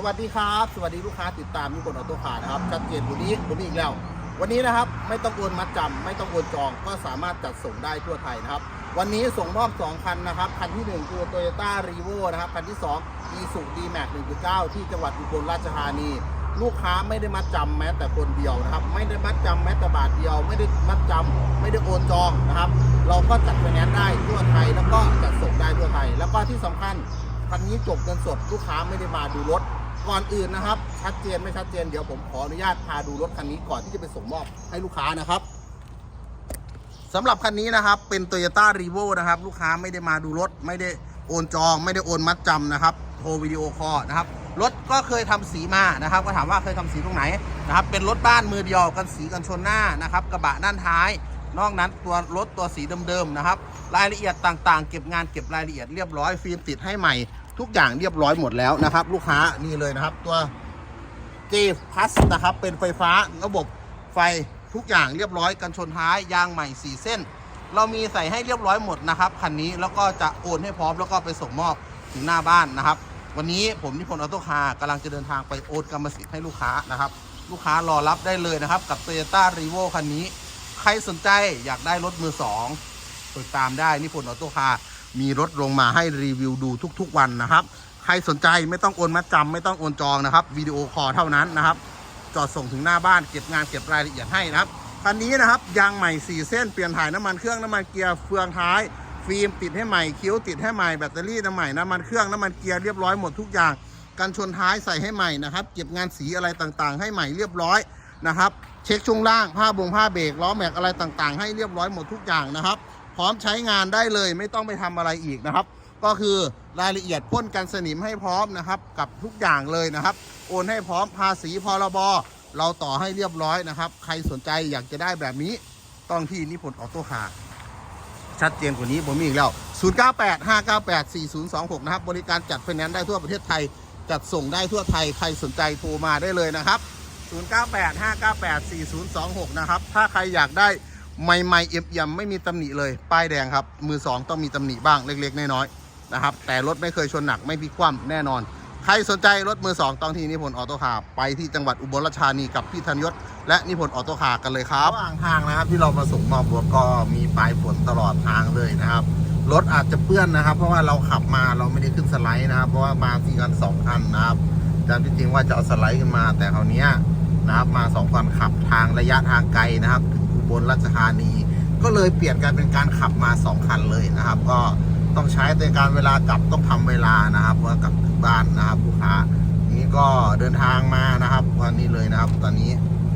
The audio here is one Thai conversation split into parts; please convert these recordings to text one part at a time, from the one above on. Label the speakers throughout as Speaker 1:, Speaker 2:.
Speaker 1: วัสดีครับสวัสดีลูกค้าติดตามนิพนธ์ออโต้คาร์นะครับชัดเจนวันนี้ผมอีกแล้ววันนี้นะครับไม่ต้องโอนมัดจำไม่ต้องโอนจองก็สามารถจัดส่งได้ทั่วไทยนะครับวันนี้ส่งมอบ2คันนะครับคันที่1คือ Toyota Revo นะครับคันที่2 Isuzu D-Max 1.9 ที่จังหวัดอุบลราชธานีลูกค้าไม่ได้มัดจำแม้แต่คนเดียวนะครับไม่ได้มัดจำแม้แต่บาทเดียวไม่ได้มัดจำไม่ได้โอนจองนะครับเราก็จัดไฟแนนซ์ได้ทั่วไทยแล้วก็จัดส่งได้ทั่วไทยแล้วก็ที่สำคัญคันนี้จบเงินสดลูกค้าไม่ได้มาดูรถก่อนอื่นนะครับชัดเจนไม่ชัดเจนเดี๋ยวผมขออนุญาตพาดูรถคันนี้ก่อนที่จะไปส่งมอบให้ลูกค้านะครับสำหรับคันนี้นะครับเป็น Toyota Revo นะครับลูกค้าไม่ได้มาดูรถไม่ได้โอนจองไม่ได้โอนมัดจำนะครับโทรวิดีโอคอลนะครับรถก็เคยทำสีมานะครับก็ถามว่าเคยทำสีตรงไหนนะครับเป็นรถบ้านมือเดียวกันสีกันชนหน้านะครับกระบะด้านท้ายนอกนั้นตัวรถตัวสีเดิมๆนะครับรายละเอียดต่างๆเก็บงานเก็บรายละเอียดเรียบร้อยฟิล์มติดให้ใหม่ทุกอย่างเรียบร้อยหมดแล้วนะครับลูกค้านี่เลยนะครับตัว J Plus นะครับเป็นไฟฟ้าระบบไฟทุกอย่างเรียบร้อยกันชนท้ายยางใหม่4เส้นเรามีใส่ให้เรียบร้อยหมดนะครับคันนี้แล้วก็จะโอนให้พร้อมแล้วก็ไปส่งมอบถึงหน้าบ้านนะครับวันนี้ผมนิพนธ์ออโต้คาร์กำลังจะเดินทางไปโอนกรรมสิทธิ์ให้ลูกค้านะครับลูกค้ารอรับได้เลยนะครับกับ Toyota Revo คันนี้ใครสนใจอยากได้รถมือ2ติดตามได้นิพนธ์ออโต้คาร์มีรถลงมาให้รีวิวดูทุกๆวันนะครับใครสนใจไม่ต้องโอนมัดจำไม่ต้องโอนจองนะครับวิดีโอคอลเท่านั้นนะครับจอดส่งถึงหน้าบ้านเก็บงานเก็บรายละเอียดให้นะครับคันนี้นะครับยางใหม่4เส้นเปลี่ยนถ่ายน้ำมันเครื่องน้ำมันเกียร์เฟืองท้ายฟิล์มติดให้ใหม่คิ้วติดให้ใหม่แบตเตอรี่น้ำใหม่น้ำมันเครื่องน้ำมันเกียร์เรียบร้อยหมดทุกอย่างกันชนท้ายใส่ให้ใหม่นะครับเก็บงานสีอะไรต่างๆให้ใหม่เรียบร้อยนะครับเช็คช่วงล่างผ้าเบรกล้อแม็กอะไรต่างๆให้เรียบร้อยหมดทุกอย่างนะครับพร้อมใช้งานได้เลยไม่ต้องไปทำอะไรอีกนะครับก็คือรายละเอียดพ่นกันสนิมให้พร้อมนะครับกับทุกอย่างเลยนะครับโอนให้พร้อมภาษีพรบเราต่อให้เรียบร้อยนะครับใครสนใจอยากจะได้แบบนี้ต้องที่นิพนธ์ออโต้คาร์ชัดเจนกว่านี้ผมมีอีกแล้ว0985984026นะครับบริการจัดไฟแนนซ์ได้ทั่วประเทศไทยจัดส่งได้ทั่วไทยใครสนใจโทรมาได้เลยนะครับ0985984026นะครับถ้าใครอยากได้ใหม่ๆเอี่ยมๆไม่มีตำหนิเลยป้ายแดงครับมือ2ต้องมีตำหนิบ้างเล็กๆน้อยๆนะครับแต่รถไม่เคยชนหนักไม่พลิกคว่ำแน่นอนใครสนใจรถมือ2ต้องที่นิพนธ์ออโต้คาร์ไปที่จังหวัดอุบลราชธานีกับพี่ธัญยศและนิพนธ์ออโต้คาร์กันเลยครับระหว่างทางนะครับที่เรามาส่งมอบรถก็มีปลายฝนตลอดทางเลยนะครับรถอาจจะเปื้อนนะครับเพราะว่าเราขับมาเราไม่ได้ขึ้นสไลด์นะครับเพราะว่ามาที่กัน2คันนะครับแต่จริงๆว่าจะเอาสไลด์ขึ้นมาแต่คราวนี้นะครับมา2คันขับทางระยะทางไกลนะครับถึงอุบลราชธานีก็เลยเปลี่ยนกันเป็นการขับมา2คันเลยนะครับก็ต้องใช้ในการเวลากลับต้องทำเวลานะครับเพราะกลับถึงบ้านนะครับลูกค้านี้ก็เดินทางมานะครับวันนี้เลยนะครับตอนนี้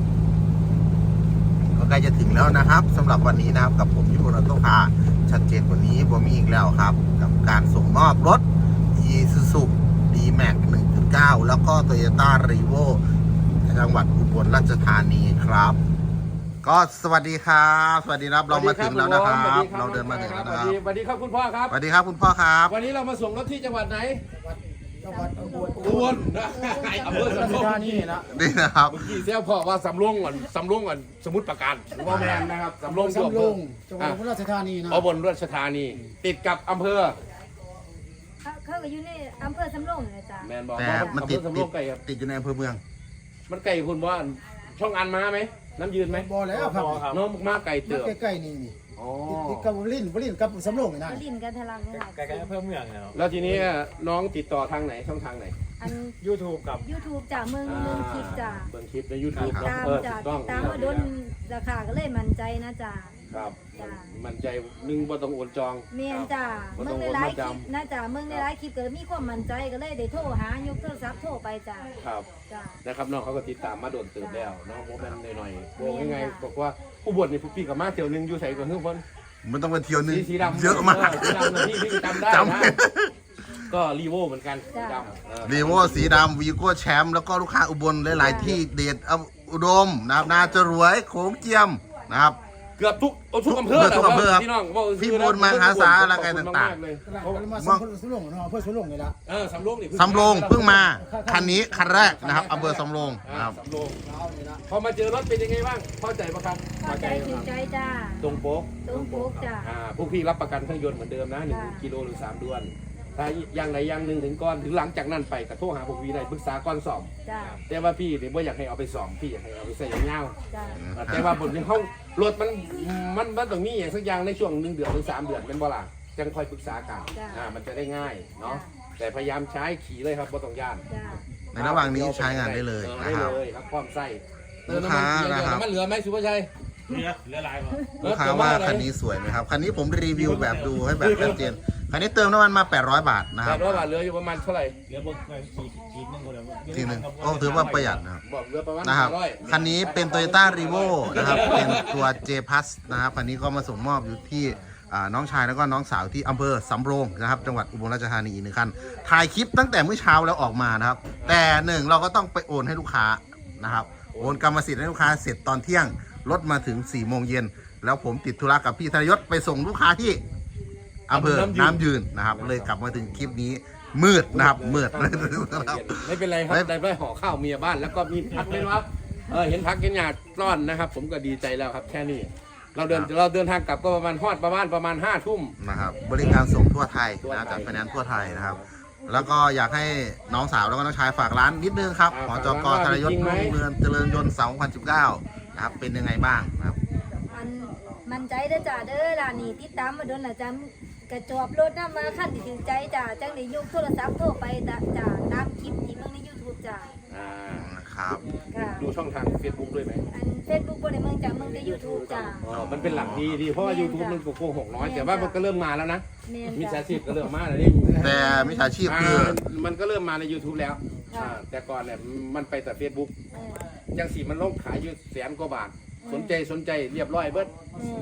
Speaker 1: ก็ใกล้จะถึงแล้วนะครับสำหรับวันนี้นะครับกับผมนิพนธ์ออโต้คาร์ชัดเจนกว่านี้ผมมีอีกแล้วครับกับการส่งมอบรถ Isuzu D-Max 1.9 แล้วก็ Toyota Revo จังหวัดอุบลราชธานีครับก็สวัสดีครับสวัสดีครับเรามาถึงแล้วนะครับเราเดินมาถึงแล้วนะครับ
Speaker 2: สวัสดีครับคุณพ่อครับ
Speaker 1: สวัสดีครับคุณพ่อครับ
Speaker 2: วันนี้เรามาส่งรถที่จังหวัดไหน
Speaker 3: จังหวัดอุบล
Speaker 2: นะอำเภอสำโรง
Speaker 3: นี่นะ
Speaker 1: นี่นะครับ
Speaker 2: เมื่อกี้เสียพ่อว่าสำโรงก่อนสมุทรปราการว่าแมนนะครับสำโรง
Speaker 3: จังหวัดอุบลราชธานีนะ
Speaker 2: อุบลราชธานีติดกับอำเภอ
Speaker 4: เขาก็อยู่ในอำเภอสำโรงเลยจ้ะ
Speaker 2: แมนบอก
Speaker 1: แต่มันติด
Speaker 2: สำโรงไกลครับ
Speaker 1: ติดอยู่ในอำเภอเมือง
Speaker 2: มันไกลคุณว่าช่องอันมาไหมน้ำยืนไหม
Speaker 3: บ่แล้วครับ
Speaker 2: น้องมาไกลเติบ
Speaker 3: ใกล้ๆนี่ติดกับบุรีกับสำโรงนี่นะ
Speaker 4: ลิ้นกันทะลักนี่แหละ
Speaker 5: ใกล้ๆอำเภอเมืองเนาะ
Speaker 2: แล้วทีนี้น้องติดต่อทางไหนช่องทางไหน
Speaker 4: อัน
Speaker 5: YouTube กับ
Speaker 4: YouTube จ้ะเมืองคลิปจ้ะ
Speaker 2: เบิ่งคลิปใน YouTube
Speaker 4: ตามจ้ะตามมาโดนราคาก็เลยมั่นใจนะจ้ะ
Speaker 2: ครับมั่นใจนึงบ่ต้องโอนจอง
Speaker 4: เมียนจ้ะเมืองในไลฟ์คลิปนะจ้ะเมืองในไลฟ์คลิปก็มีความมั่นใจก็เลยได้โทรหายกโทรศัพท์โทรไปจ้ะ
Speaker 2: ครับ
Speaker 4: จ้ะ
Speaker 2: นะครับน้องเขาก็ติดตามมาโดนตื่นแล้วน้องโมแมนหน่อยๆบอกยังไงบอกว่าผู้บวชนี่พี่กับมาเที่ยวนึงอยู่ใส่กับเพื่อน
Speaker 1: มันต้องไปเที่ยวนึง
Speaker 2: สีดำ
Speaker 1: เยอะมาก
Speaker 2: สีดำพี่จำได้นะก็รีโวเหมือนกันสีด
Speaker 1: ำรีโวสีดำวีโก้แชมป์แล้วก็ลูกค้าอุบลหลายๆที่เดชอุดมนะครับนาจรวยโขงเจียมนะครับ
Speaker 2: เกือบทุกอำเภอพี่น้อง
Speaker 1: พี่บุญมาหาสาอะไรต่างๆ
Speaker 3: เลยมาสำโรงเนาะอำเภอสำโรงนี่ละ
Speaker 2: สำโรงนี่
Speaker 1: สำโรงเพิ่งมาคันนี้คันแรกนะครับอำเภอสำโรงนะครับ
Speaker 2: สำโรงพอมาเจอรถเป็นยังไงบ้างพอใจปะครับ
Speaker 4: พอใจถูกใจจ้า
Speaker 2: ตรงโป๊ก
Speaker 4: จ้า
Speaker 2: พวกพี่รับประกันเครื่องยนต์เหมือนเดิมนะ1 กิโลหรือ3 เดือนถ้าอย่างใดอย่างหนึ่งถึงก่อนถึงหลังจากนั้นไปก็โทรหาพวกพี่ได้ปรึกษาก่อนสอบ
Speaker 4: จ้า
Speaker 2: แต่ว่าพี่เนี่ยบ่อยากให้เอาไปสอบพี่อยากให้เอาไปใส่ยาว
Speaker 4: จ้า
Speaker 2: ๆแต่ว่าบนในห้องรถมันต้องมีอย่างสักอย่างในช่วง1 เดือนถึง3 เดือนเป็นบ่ล่ะจังค่อยปรึกษากันมันจะได้ง่ายเนาะแต่พยายามใช้ขี่เลยครับบ่ต้องย่าน
Speaker 4: จ้า
Speaker 1: ในระหว่างนี้ใช้งานได้เลย
Speaker 2: ได้
Speaker 1: นะครับ
Speaker 2: เลยครับพร้อมใส่เติม
Speaker 1: ลูก
Speaker 2: น้ำ
Speaker 1: ค้า
Speaker 2: มันเกียร์
Speaker 1: นะครับ
Speaker 2: น้ำมันเหลือไหมสุภาชัย
Speaker 5: เหลือหลายบ่
Speaker 1: ลูกค้าว่าคันนี้สวยไหมครับ คันนี้ผมรีวิวแบบดูให้แบบชัดเจน คันนี้เติมน้ำมันมา 800 บาทนะค
Speaker 2: แต่
Speaker 1: รับ
Speaker 2: ว่าบาทเหลืออยู่ประมาณเท่าไหร่
Speaker 5: เหลือบ่ขีดนึงก็แล้ว
Speaker 1: ทีหนึงก็ถือว่าประหยัดนะครับ
Speaker 2: บอกเหลือประมาณ
Speaker 1: นะครับ
Speaker 2: 500
Speaker 1: คันนี้เป็น Toyota Revo นะครับ เป็นตัว J Plus นะครับ คันนี้ก็มาส่งมอบอยู่ที่น้องชายแล้วก็น้องสาวที่อำเภอสำโรงนะครับ จังหวัดอุบลราชธานีอีก1 คัน ถ่ายคลิปตั้งแต่เมื่อเช้าแล้วออกมานะครับ แต่หนึ่งเราก็ต้องไปโอนให้ลูกค้านะครับ โอนกรรมสิทธิ์ให้ลูกค้าเสร็จตอนเที่ยง รถมาถึง 4 โมงเย็น แล้วผมติดธุระกับพี่ธนยศไปส่งลูกค้าที่อำเภอน้ำยืนนะครับ เลยกลับมาถึงคลิปนี้มืดนะครับมืด
Speaker 2: ไม่เป็นไรครับได้ห่อข้าวเมียบ้านแล้วก็มีพักด้วยนะครับเห็นพักเห็นหยาดร้อนนะครับ ผมก็ดีใจแล้วครับแค่นี้เราเดินทางกลับก็ประมาณประมาณ5 ทุ่ม
Speaker 1: นะครับบริการส่งทั่วไทยนะครับจากไฟแนนซ์ทั่วไทยนะครับ แล้วก็อยากให้น้องสาวแล้วก็น้องชายฝากร้านนิดนึงครับหอจกธนยศรุ่งเรืองเจริญยนต์2019นะครับเป็นยังไงบ้างนะครับ
Speaker 4: มันใจเด้อจ้าเด้อร้านนี้ติดตามมาโดนละจ้ากระจอบรถน้ำมาขั้นที่ถึงใจจ้าจังได้ยกโทรศัพท์โทรไปจ้าตามคลิปที่เบิ่งใน YouTube จ้า
Speaker 1: นะครับ
Speaker 4: ค่ะ
Speaker 2: ดูช่องทาง Facebook ด้วยไหม
Speaker 4: อัน Facebook บ่ได้เมืองจ้าเมืองแต่ YouTube จ้า
Speaker 2: มันเป็นหลักดีเพราะว่า YouTube มันโกหกน้อยแต่ว่ามันก็เริ่มมาแล้วนะ
Speaker 4: แม่น
Speaker 2: มิจฉา
Speaker 4: จ้า
Speaker 2: ชีพก็เริ่มมาแล้วนี่
Speaker 1: แต่มิจฉาชีพคือ
Speaker 2: มันก็เริ่มมาใน YouTube แล้ว
Speaker 4: ค่ะ
Speaker 2: แต่ก่อนเนี่ยมันไปแต่ Facebook ยังสีมันลงขายอยู่100,000 กว่าบาท สนใจเรียบร้อยเบิด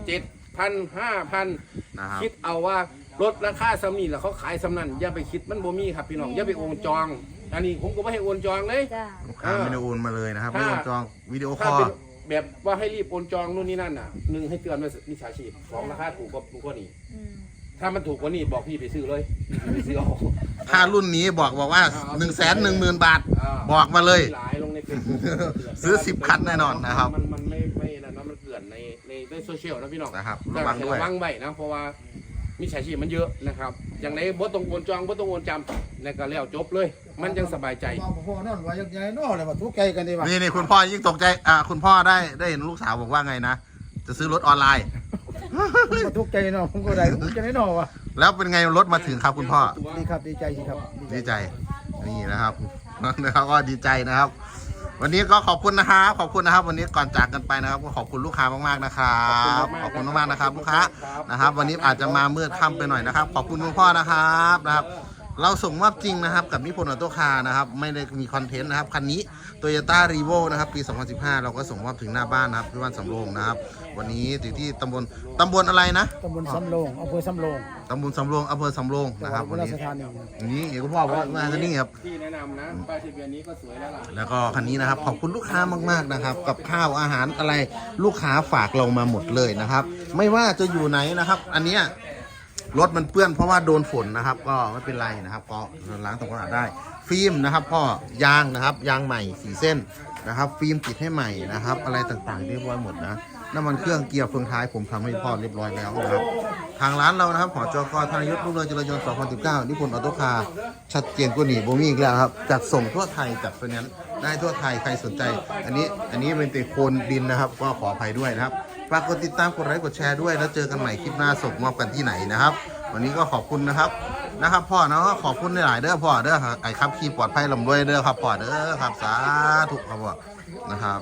Speaker 2: 7,000 5,000
Speaker 1: นะครับ
Speaker 2: คิดเอาว่าลดราคาสำนีแล้วเขาขายสำนันอย่าไปคิดมันบ่มีครับพี่น้องอย่าไปโอนจอง อันนี้ผมก็ไม่ให้โอนจองเลย
Speaker 4: จ้า
Speaker 1: ลูกค้าไม่ได้โอนมาเลยนะครับไม่ได้โอนจองวิดีโอค
Speaker 2: ถ้า
Speaker 1: อล
Speaker 2: เป็นแบบว่าให้รีบโอนจองนู่นนี่นั่นน่ะ1ให้เตือนว่ามิจฉาชีพ2ราคาถูกกว่านี้
Speaker 4: อืม
Speaker 2: ถ้ามันถูกกว่านี้บอกพี่ไปซื้อเลยไปซื้อเอา
Speaker 1: ถ้ารุ่นนี้บอกว่า 110,000 บาท บอกมาเลย
Speaker 2: หลายลงใน Facebook
Speaker 1: ซื้อ10 คันแน่นอนนะครับ
Speaker 2: มันไม่นะมันเกลื่อนในโซเชียลนะพี่น้อง
Speaker 1: นะครับ
Speaker 2: ระ
Speaker 1: ระวังด้วย
Speaker 2: วังไว้นะเพราะว่ามิจฉาชีพมันเยอะนะครับอย่างไรบ่ต้องโอนจองบ่ต้องโอนจำแล้วก็แล้วจบเลย มันยังสบายใจ
Speaker 3: พ่อนั่นว่ายังไงน้อเลยว่าทุกข์ใจกันดีว่า
Speaker 1: นี่คุณพ่อยิ่งตกใจคุณพ่อได้เห็นลูกสาวบอกว่าไงนะ จะซื้อรถออนไลน์
Speaker 3: ผมทุกข์ใจน้อผมก็ได้ทุกข์ใจน้อว่ะ
Speaker 1: แล้วเป็นไงรถมาถึงครับคุณพ่อ
Speaker 3: ดีครับดีใจสิครับ
Speaker 1: ดีใจนี่นะครับนะครับก็ดีใจนะครับ วันนี้ก็ขอบคุณนะครับขอบคุณนะครับ วันนี้ก่อนจากกันไปนะครับก็ขอบคุณลูกค้ามากๆนะครับขอบคุณมากๆนะครับลูกค้านะครับ วันนี้อาจจะมามืดค่ำไปหน่อยนะครับ ขอบคุณคุณพ่อนะครับนะครับ เราส่งมอบจริงนะครับกับนิพนธ์ออโต้คาร์นะครับไม่ได้มีคอนเทนต์นะครับคันนี้ Toyota Revo นะครับปี 2015 เราก็ส่งมอบถึงหน้าบ้านนะครับที่บ้านสำโรงนะครับ วันนี้อยู่ที่ตำบลอะไรนะ
Speaker 3: ตำบลสำโรงอำเภอสำโรง
Speaker 1: ตำบลสำโรงอำเภอสำโรง
Speaker 3: จัง
Speaker 1: นะ
Speaker 3: ห
Speaker 1: ค
Speaker 3: วั
Speaker 1: รั
Speaker 3: ด
Speaker 1: บ
Speaker 3: อุ
Speaker 1: วัน
Speaker 3: บลรา
Speaker 1: นี้
Speaker 3: ชธานี
Speaker 1: นี่เห็นคุณพ่อบอกว่ามาที่นี่ครับ
Speaker 2: ที่แนะนำนะป้ายทะเบียนนี้ก็สวยแล้วล่ะ
Speaker 1: แล้วก็คันนี้นะครับขอบคุณลูกค้ามากๆนะครับ กับข้าวอาหารอะไรลูกค้าฝากเรามาหมดเลยนะครับ ไม่ว่าจะอยู่ไหนนะครับ อันเนี้ยรถมันเปื้อนเพราะว่าโดนฝนนะครับ ก็ไม่เป็นไรนะครับก็ล้างทำความสะอาดได้ ฟิล์มนะครับพ่อยางนะครับยางใหม่4 เส้นนะครับ ฟิล์มติดให้ใหม่นะครับ อะไรต่างๆเรียบร้อยหมดนะน้ำมันเครื่องเกียร์เฟืองท้ายผมทำให้พ่อเรียบร้อยแล้วนะครับทางร้านเรานะครับหอจกธนยศรุ่งเรืองเจริญยนต์2019นิพนธ์ออโต้คาร์ชัดเจนกว่านี้โบมี่อีกแล้วครับจัดส่งทั่วไทยจัดไฟแนนซ์ได้ทั่วไทยใครสนใจ อันนี้เป็นแต่โคนดินนะครับก็ขออภัยด้วยนะครับฝากกดติดตามกดไลค์กดแชร์ด้วยแล้วเจอกันใหม่คลิปหน้าส่งมอบกันที่ไหนนะครับ วันนี้ก็ขอบคุณนะครับพ่อเนาะขอบคุณหลายๆเด้อพ่อเด้อไอ้ครับขี่ปลอดภัยลำด้วยเด้อครับพ่อเด้อครับสาธุครับพ่อนะครับ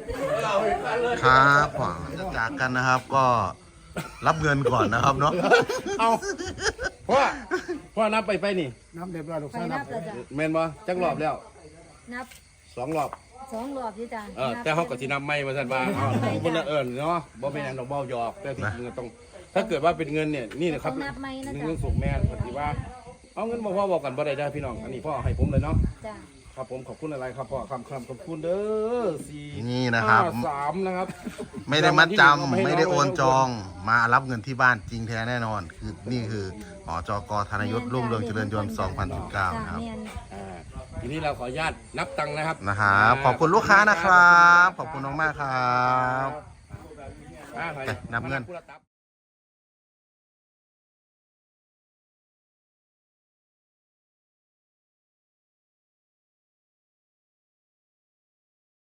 Speaker 1: ครับพ่อจากกันนะครับก็รับเงินก่อนนะครับเนาะ
Speaker 2: เอาพ่อนับไปนี่
Speaker 3: น้ำเรียบร้อยลูก
Speaker 4: ไป
Speaker 3: สาว
Speaker 4: นั
Speaker 3: นั
Speaker 4: บบ แล้วจ้า
Speaker 2: แม่นบ่จักรอบแล้ว
Speaker 4: นับ
Speaker 2: 2 รอบ
Speaker 4: 2 รอบอยู่จ้า
Speaker 2: แต่เฮาก็สินับไม่ว่าซั่นว่าบ่น่าเนาะบ่เป็นหยังดอกเบ้าหยอกแต่ที่จริงก็ต้องถ้าเกิดว่าเป็นเงินเนี่ยนี่นะครับ
Speaker 4: นับไหมนะ
Speaker 2: เงิ
Speaker 4: จ้าน
Speaker 2: สูงแม่นปฏิว่าเอาเงินมาพ่อบอกกันบ่ได้พี่น้องอันนี้พ่อให้ผมเลยเนาะ
Speaker 4: จ้า
Speaker 2: ครับผมขอบคุณอะไรครับพ่อคำขอบคุณเด้อ4
Speaker 1: นี่นะครับ
Speaker 2: 3นะครับ
Speaker 1: ไม่ได้มัดจำไม่ได้โอนจองมารับเงินที่บ้านจริงแท้แน่นอนคือนี่คือหอจกธนยศรุ่งเรืองเจริญยนต์2019นะครับ
Speaker 4: เมียน
Speaker 2: ทีนี้เราขออนุญาตนับตังค์นะครับ
Speaker 1: นะครับขอบคุณลูกค้านะครับขอบคุณมากๆครับ
Speaker 2: อ่า
Speaker 1: นับเงิน
Speaker 2: ผู้รับ